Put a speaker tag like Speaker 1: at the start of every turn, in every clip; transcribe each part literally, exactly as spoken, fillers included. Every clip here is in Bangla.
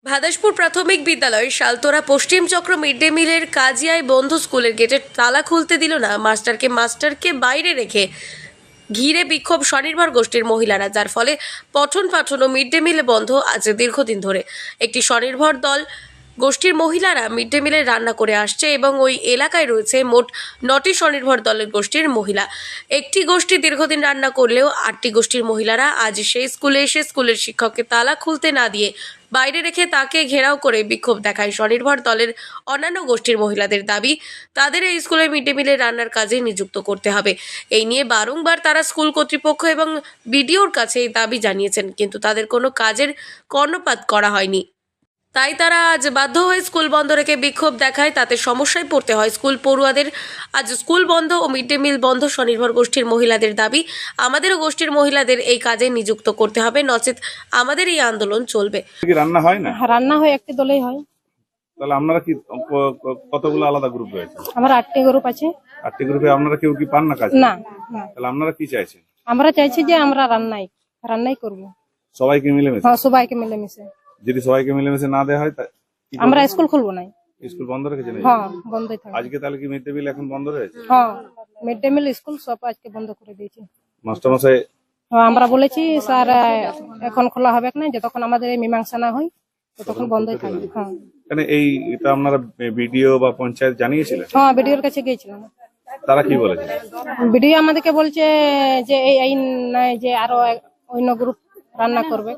Speaker 1: ভাদাসপুর প্রাথমিক বিদ্যালয়ের শালতোরা পশ্চিম চক্র মিড ডে মিলের কাজিয়ায় বন্ধ স্কুলের গেটের তালা খুলতে দিল না মাস্টারকে মাস্টারকে বাইরে রেখে ঘিরে বিক্ষোভ স্বনির্ভর গোষ্ঠীর মহিলারা, যার ফলে পঠন পাঠন ও মিড ডে মিল বন্ধ আছে দীর্ঘদিন ধরে। একটি স্বনির্ভর দল গোষ্ঠীর মহিলারা মিড ডে মিলে রান্না করে আসছে এবং ওই এলাকায় রয়েছে মোট নটি স্বনির্ভর দলের গোষ্ঠীর মহিলা। একটি গোষ্ঠী দীর্ঘদিন রান্না করলেও আটটি গোষ্ঠীর মহিলারা আজ সেই স্কুলে এসে স্কুলের শিক্ষককে তালা খুলতে না দিয়ে বাইরে রেখে তাকে ঘেরাও করে বিক্ষোভ দেখায় স্বনির্ভর দলের অন্যান্য গোষ্ঠীর মহিলাদের দাবি তাদের এই স্কুলে মিড ডে মিলের রান্নার কাজে নিযুক্ত করতে হবে। এই নিয়ে বারংবার তারা স্কুল কর্তৃপক্ষ এবং বিডিওর কাছে এই দাবি জানিয়েছেন, কিন্তু তাদের কোনো কাজের কর্ণপাত করা হয়নি। তাই তারা আজ বাধ্য হয়ে স্কুল বন্ধ রেখে বিক্ষোভ দেখায়। তাতে সমস্যায় পড়তে হয় স্কুল পড়ুয়াদের। আজ স্কুল বন্ধ ও মিড ডে মিল বন্ধ। স্বনির্ভর গোষ্ঠীর মহিলাদের দাবি আমাদেরও গোষ্ঠীর মহিলাদের এই কাজে নিযুক্ত করতে হবে, নচেত আমাদের এই আন্দোলন চলবে।
Speaker 2: রান্না হয় না?
Speaker 3: রান্না হয় একটি দলেই হয়।
Speaker 2: তাহলে আপনারা কি কতগুলো আলাদা গ্রুপ রয়েছে?
Speaker 3: আমার আটটি গ্রুপ আছে।
Speaker 2: আটটি গ্রুপে আপনারা কেউ কি পান না কাজ?
Speaker 3: না।
Speaker 2: তাহলে আপনারা কি চাইছেন?
Speaker 3: আমরা চাইছি যে আমরা রান্নাই রান্নাই করব,
Speaker 2: সবাইকে মিলেমিশে।
Speaker 3: হ্যাঁ, সবাইকে মিলেমিশে।
Speaker 2: যদি সবাইকে মিলেমিশে না দেওয়া হয়
Speaker 3: আমরা স্কুল খুলবো না।
Speaker 2: স্কুল বন্ধ রেখেছেন?
Speaker 3: হ্যাঁ, বন্ধই থাকবে।
Speaker 2: আজকে তাহলে কি মিড ডে মিল এখন বন্ধ রয়েছে?
Speaker 3: হ্যাঁ, মিড ডে মিল স্কুল সব আজকে বন্ধ করে দিয়েছে।
Speaker 2: মাস্টার মশাই?
Speaker 3: হ্যাঁ, আমরা বলেছি স্যার এখন খোলা হবে না, যতক্ষণ আমাদের এই মীমাংসা না হয় ততক্ষণ বন্ধই থাকবে। হ্যাঁ,
Speaker 2: মানে এই এটা আপনারা বিডিও বা পঞ্চায়েত জানিয়েছিলেন?
Speaker 3: হ্যাঁ, বিডিওর কাছে গিয়েছিলাম।
Speaker 2: তারা কি বলেছে?
Speaker 3: বিডিও আমাদেরকে বলছে যে এই আইন নাই যে আরো অন্য গ্রুপ রান্না করবে।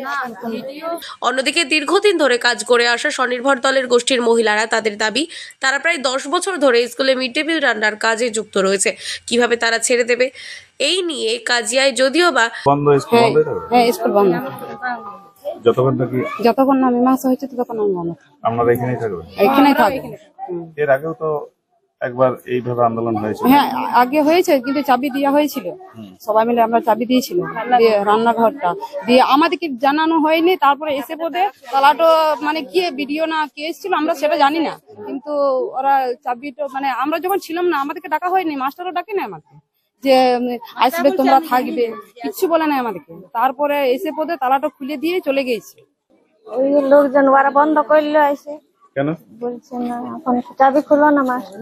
Speaker 1: অন্যদিকে দীর্ঘদিন ধরে কাজ করে আসা স্বনির্ভর দলের গোষ্ঠীর মহিলারা তাদের দাবি তারা প্রায় দশ বছর ধরে স্কুলে মিড ডে মিল রান্নার কাজে যুক্ত রয়েছে, কিভাবে তারা ছেড়ে দেবে এই নিয়ে কাজিয়ায় যদিও বা
Speaker 2: বন্ধ স্কুল বন্ধ হবে।
Speaker 3: হ্যাঁ, স্কুল বন্ধ
Speaker 2: যতক্ষণ নাকি
Speaker 3: যতক্ষণ না মীমাংসা হয়েছে ততক্ষণ আমি বন্ধ।
Speaker 2: আপনারা এখানেই থাকবেন?
Speaker 3: এখানেই থাকবে।
Speaker 2: এর আগেও তো একবার এইভাবে আন্দোলন হয়েছিল।
Speaker 3: হ্যাঁ, আগে হয়েছে, কিন্তু চাবি দেওয়া হয়েছিল, সবাই মিলে আমরা চাবি দিয়েছিলাম দিয়ে রান্নাঘরটা দিয়ে, আমাদেরকে জানানো হয়নি। তারপরে এসে পদে তালাটো মানে কে ভিডিও না কে এসেছিল আমরা সেটা জানি না, কিন্তু ওরা চাবিটা মানে আমরা যখন ছিলাম না আমাদেরকে ডাকা হয়নি, মাস্টারও ডাকে না আমাকে যে আসবে তোমরা থাকবে, কিচ্ছু বলে না আমাদেরকে। তারপরে এসে পদে তালাটা খুলে দিয়ে চলে গেছে।
Speaker 4: ওই লোকজন ওরা বন্ধ করলো এসে।
Speaker 2: কেন
Speaker 4: বলছে না এখন চাবি খুলো না মাস্টার।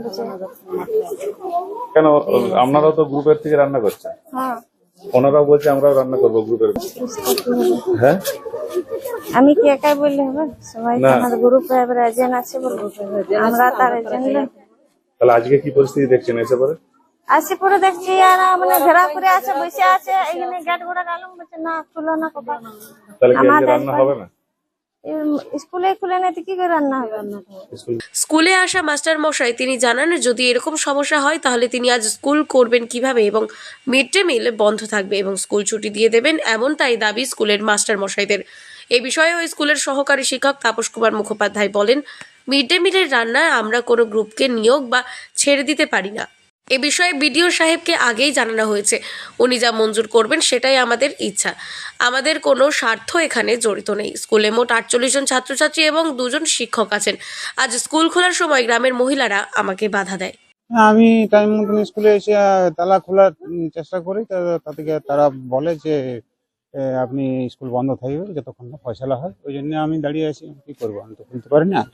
Speaker 2: কেন? আপনারাও তো গ্রুপের থেকে রান্না করছেন।
Speaker 4: হ্যাঁ,
Speaker 2: ওনারাও বলছে আমরাও রান্না করবো গ্রুপের। হ্যাঁ,
Speaker 4: আমি কি একাই বললে হবে? সবাই তো আমাদের গ্রুপে এবার এজেন্ট আছে বলবো, আমরা তার এজেন্ট।
Speaker 2: তাহলে আজকে কি পরিস্থিতি দেখছেন এসে পরে?
Speaker 4: আসি পরে দেখছি আর মানে ঘেরা করে আছে, বসে আছে এখানে, গেট গোড়া গেলাম বলছে না খুলো না কপা।
Speaker 2: তাহলে কি আজকে রান্না হবে না?
Speaker 4: স্কুলে খুলে না তো কি করে রান্না হবে?
Speaker 1: স্কুলে আসা মাস্টার মশাই তিনি জানান যদি এরকম সমস্যা হয় তাহলে তিনি আজ স্কুল করবেন কিভাবে এবং মিড ডে মিল বন্ধ থাকবে এবং স্কুল ছুটি দিয়ে দেবেন, এমনটাই দাবি স্কুলের মাস্টার মশাইদের। এই বিষয়ে ওই স্কুলের সহকারী শিক্ষক তাপস কুমার মুখোপাধ্যায় বলেন, মিড ডে মিলের রান্নায় আমরা কোনো গ্রুপকে নিয়োগ বা ছেড়ে দিতে পারি না। এ বিষয়ে বিডিও সাহেবকে আগেই জানানো হয়েছে, উনি যা মঞ্জুর করবেন সেটাই আমাদের ইচ্ছা। আমাদের কোনো স্বার্থ এখানে জড়িত নেই। স্কুলে মোট আটচল্লিশ জন ছাত্রছাত্রী এবং দুজন শিক্ষক আছেন। আজ স্কুল খোলার সময় গ্রামের মহিলারা আমাকে বাধা দেয়।
Speaker 5: আমি টাইম মতন স্কুলে এসে তালা খোলার চেষ্টা করি, তাদেরকে তারা বলে যে আপনি স্কুল বন্ধ থাকবে যতক্ষণ না ফয়সালা হয়। ওই জন্য আমি দাঁড়িয়ে আছি। কি করবো, আমি তো খুলতে পারি না,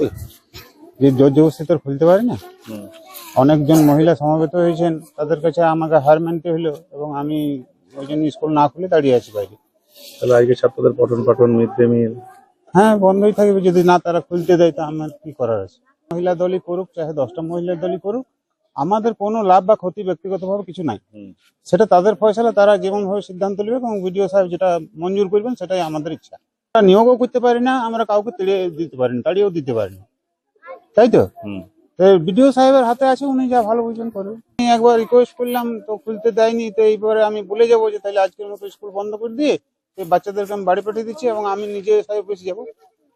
Speaker 5: যে জোর জবরদস্তি তো খুলতে পারি না। অনেকজন মহিলা সমাবেত হয়েছেন, তাদের কাছে আমাকে হার মানতে হলো এবং আমি ওই জন্য স্কুল না খুলে দাঁড়িয়ে আছি বাইরে।
Speaker 2: তাহলে আজকে ছাত্রদের পঠন পাঠন মিড ডে মিল
Speaker 5: হ্যাঁ বন্ধই থাকবে, যদি না তারা খুলতে দেয় তা আমার কি করার আছে। মহিলা দলই করুক, চাহে দশটা মহিলার দলই করুক, আমাদের কোনো লাভ বা ক্ষতি ব্যক্তিগতভাবে কিছু নাই। সেটা তাদের ফয়সালা, তারা যেমন ভাবে সিদ্ধান্ত নেবে এবং বিডিও সাহেব যেটা মঞ্জুর করবেন সেটাই আমাদের ইচ্ছা। আমরা নিয়োগও করতে পারি না, আমরা কাউকে তেড়িয়ে দিতে পারি না, তাড়িয়েও দিতে পারি না, তাই তো। বিডিও সাহেবের হাতে আছে, উনি যা ভালো বুঝবেন করবেন। আমি একবার রিকোয়েস্ট করলাম তো খুলতে দেয়নি, তো এইবারে আমি বলে যাবো যে তাহলে আজকের মতো স্কুল বন্ধ করে দিয়ে এই বাচ্চাদেরকে আমি বাড়ি পাঠিয়ে দিচ্ছি এবং আমি নিজে এসআই অফিসে যাবো।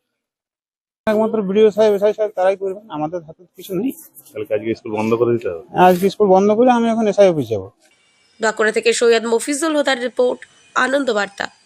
Speaker 5: একমাত্র বিডিও সাহেব এসআই সাহেব তারাই করবেন, আমাদের হাতে কিছু নেই।
Speaker 2: আজকে স্কুল বন্ধ করে দিতে হবে।
Speaker 5: আজকে স্কুল বন্ধ করে আমি এখন এসআই অফিস যাবো।
Speaker 1: বাঁকুড়া থেকে সৈয়দ মফিজুল হুদার রিপোর্ট, আনন্দ বার্তা।